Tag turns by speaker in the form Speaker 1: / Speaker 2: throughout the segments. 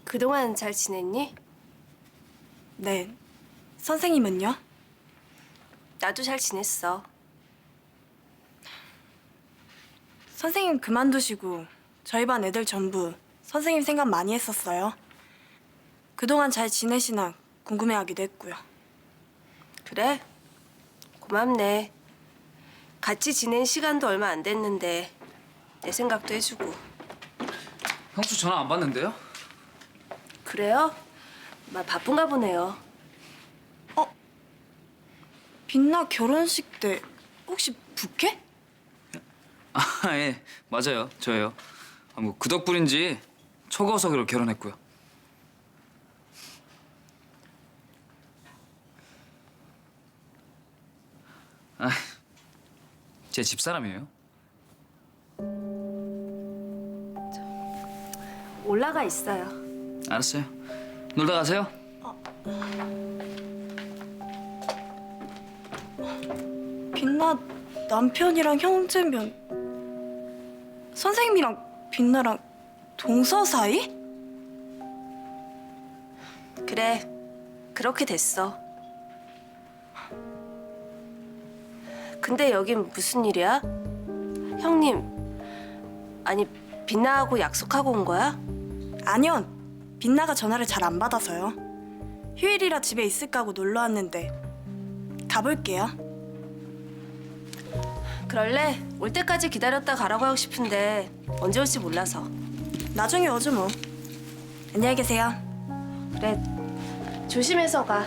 Speaker 1: 그동안 잘 지냈니?
Speaker 2: 네. 선생님은요?
Speaker 1: 나도 잘 지냈어.
Speaker 2: 선생님 그만두시고 저희 반 애들 전부 선생님 생각 많이 했었어요. 그동안 잘 지내시나 궁금해하기도 했고요.
Speaker 1: 그래? 고맙네. 같이 지낸 시간도 얼마 안 됐는데 내 생각도 해주고.
Speaker 3: 형수 전화 안 받는데요?
Speaker 1: 그래요? 바쁜가 보네요.
Speaker 2: 빛나 결혼식 때 혹시 부케?
Speaker 3: 아, 예, 맞아요. 저예요. 뭐 그 덕분인지 초거석으로 결혼했고요. 아, 제 집사람이에요.
Speaker 1: 올라가 있어요.
Speaker 3: 알았어요. 놀다 가세요.
Speaker 2: 빛나 남편이랑 형제면 선생님이랑 빛나랑 동서 사이?
Speaker 1: 그래, 그렇게 됐어. 근데 여긴 무슨 일이야? 형님, 아니 빛나하고 약속하고 온 거야?
Speaker 2: 아니요. 빛나가 전화를 잘 안 받아서요. 휴일이라 집에 있을까 하고 놀러 왔는데 가볼게요.
Speaker 1: 그럴래? 올 때까지 기다렸다 가라고 하고 싶은데 언제 올지 몰라서.
Speaker 2: 나중에 오죠 뭐. 안녕히 계세요.
Speaker 1: 그래, 조심해서 가.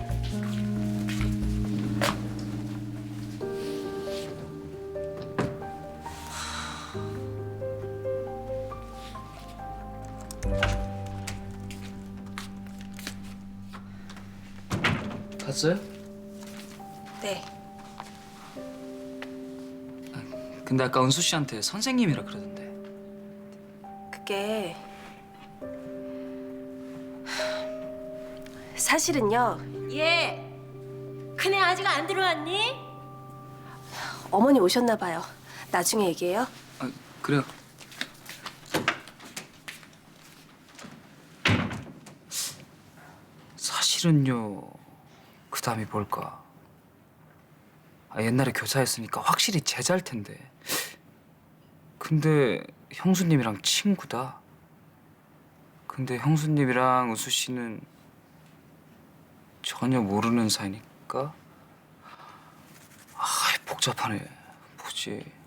Speaker 3: 갔어요?
Speaker 1: 네.
Speaker 3: 근데 아까 은수 씨한테 선생님이라 그러던데.
Speaker 1: 그게 사실은요.
Speaker 4: 예. 큰애 아직 안 들어왔니?
Speaker 1: 어머니 오셨나 봐요. 나중에 얘기해요.
Speaker 3: 아, 그래요. 사실은요. 그 다음이 뭘까? 옛날에 교사였으니까 확실히 제자일 텐데. 근데 형수님이랑 친구다. 근데 형수님이랑 우수 씨는 전혀 모르는 사이니까. 아, 복잡하네. 뭐지?